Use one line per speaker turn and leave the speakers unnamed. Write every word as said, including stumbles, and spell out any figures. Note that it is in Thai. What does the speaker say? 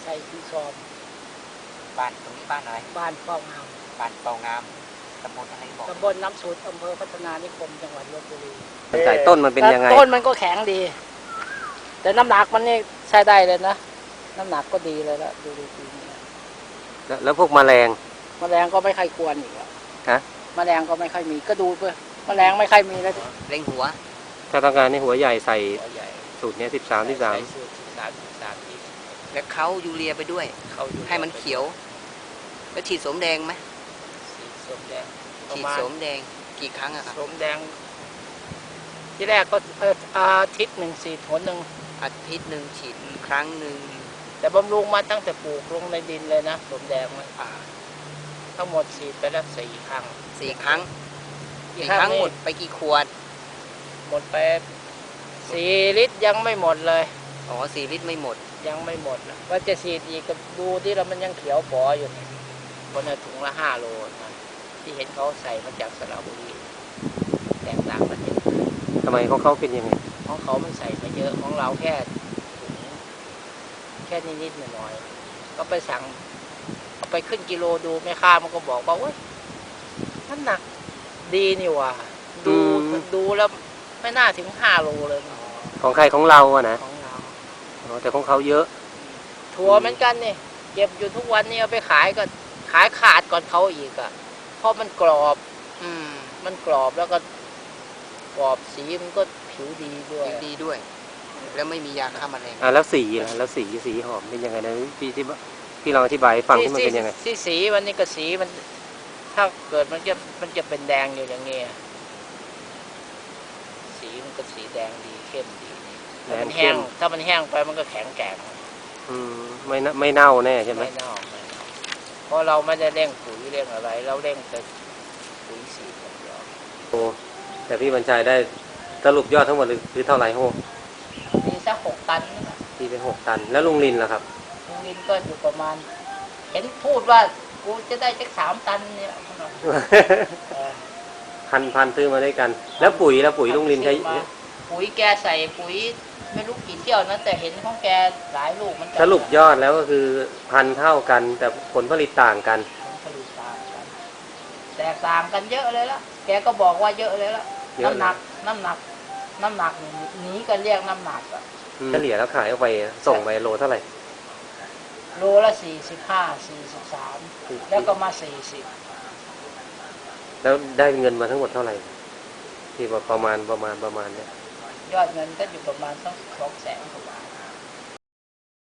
ใส่ที่ซอม
บ้านตรงนี้บ้านอะไร
บ้านเป้างาม
บ้านเป้างามตำบลอะไรบอก
ตำบลน้ำสุดอำเภอพัฒนานิคมจังหวัดลพบุรี
ใส่ต้นมันเป็นยังไง
ต้นมันก็แข็งดีแต่น้ำหนักมันนี่ใช้ได้เลยนะน้ำหนักก็ดีเลยละดูดีปีนี้
แล้วแล้วพวกแมลง
แมลงก็ไม่ค่อยกวนอีก
ฮะ
แมลงก็ไม่ค่อยมีก็ดูเพื่อแมลงไม่ค่อยมีแล้ว
เล็งหัว
ถ้าต้องการในหัวใหญ่ใส่สูตรนี้สิบสามสิบสาม
แล้วเขายูเรียไปด้วยให้มันเขียวแล้วฉีดสมแดงไหม
ฉีดสมแดง
ฉีดสมแดงกี่ครั้งอะครับ
สมแดงที่แรกก็อาทิตย์หนึ่งฉีดหนหนึ่ง
อาทิตย์หนึ่งฉีดครั้งหนึ่ง
แต่บำรุงมาตั้งแต่ปลูกลงในดินเลยนะสมแดงมันทั้งหมดฉีดไปแล้วสี่ครั้ง
สี่ครั้งสี่ครั้งหมดไปกี่ขวด
หมดไปสี่ลิตรยังไม่หมดเลย
อ๋อสี่ลิตรไม่หมด
ยังไม่หมดนะว่าจะฉีดอีกก็ดูที่เรามันยังเขียวปออยู่นี่บนถุงละห้าโลนะที่เห็นเขาใส่มาจากสระบุรีแตกต่างกันเยอะ
ทำไมของเขาเป็นยังไง
ของเขามันใส่มาเยอะของเราแค่ถุงแค่นิดๆหน่อยๆก็ไปสั่งเอาไปขึ้นกิโลดูแม่ค้ามันก็บอกว่าเว้ยน้ำหนักดีนี่ว่ะดูดูแล้วไม่น่าถึงห้าโลเลย
ของใครของเราอะนะ
ของเรา
แต่ของเขาเยอะ
ถั่วเหมือนกันนี่เก็บอยู่ทุกวันนี้เอาไปขายก็ขายขาดก่อนเขาอีกอ่ะเพราะมันกรอบอืมมันกรอบแล้วก็กรอบสีมันก็ผิวดีด้วย
ผิวดีด้วยแล้วไม่มียาฆ่าแมลง
อ่าแล้วสีล่ะแล้วสีสีหอมเป็นยังไงนะพี่ที่พี่ลองอธิบายฟังที่มันเป็นยังไง
สีสีวันนี้ก็สีมันถ้าเกิดมันจะมันจะเป็นแดงอยู่อย่างเงี้ยสีมันก็สีแดงดีเข้มดีถ้ามันแห้งถ้ามันแห้งไปมันก็แข็งแกร่ง
อืมไม่ไม่เน่าแน่ใช่ไหม
ไม่เน่าไม่เน่าเพราะเราไม่ได้เร่งปุ๋ยเร่งอะไรเราเร่งแต่ปุ๋ยสีอย่างเดียว
โอ้แต่พี่บรรชัยได้สรุปยอดทั้งหมดคือเท่าไหร่โห
มีสักหกตัน
ตีไปหกตันแล้วลุงลินล่ะครับ
ลุงลินก็อยู่ประมาณเห็นพูดว่ากูจะได้สักสามตันเนี่ย
พันพันซื้อมาด้วยกันแล้วปุ๋ยแล้วปุ๋ยลุงลินใช้
ปุ๋ยแกใส่ปุ๋ยไม่รู้กี่เที่ยวนะแต่เห็นของแกหลายลูกมัน
สรุปยอดแล้วก็คือพันเท่ากันแต่ผลผลิตต่างกัน
ผลผลิตต่างกันแตกต่างกันเยอะเลยละแกก็บอกว่าเยอะเลยละน้ำหนักน้ำหนักน้ำหนักนี้กันเรียกน้ำหนักอะ
เฉลี่ยแล้วขายออกไปส่งไปโลเท่าไหร่
โลละสี่สิบห้าสี่สิบสามแล้วก็มาสี่สิบ
แล้วได้เงินมาทั้งหมดเท่าไหร่ที่ว่าประมาณประมาณประมาณเนี้ย
ยอดเงินก็อยู่ประมาณสักสองแสนกว่าบาท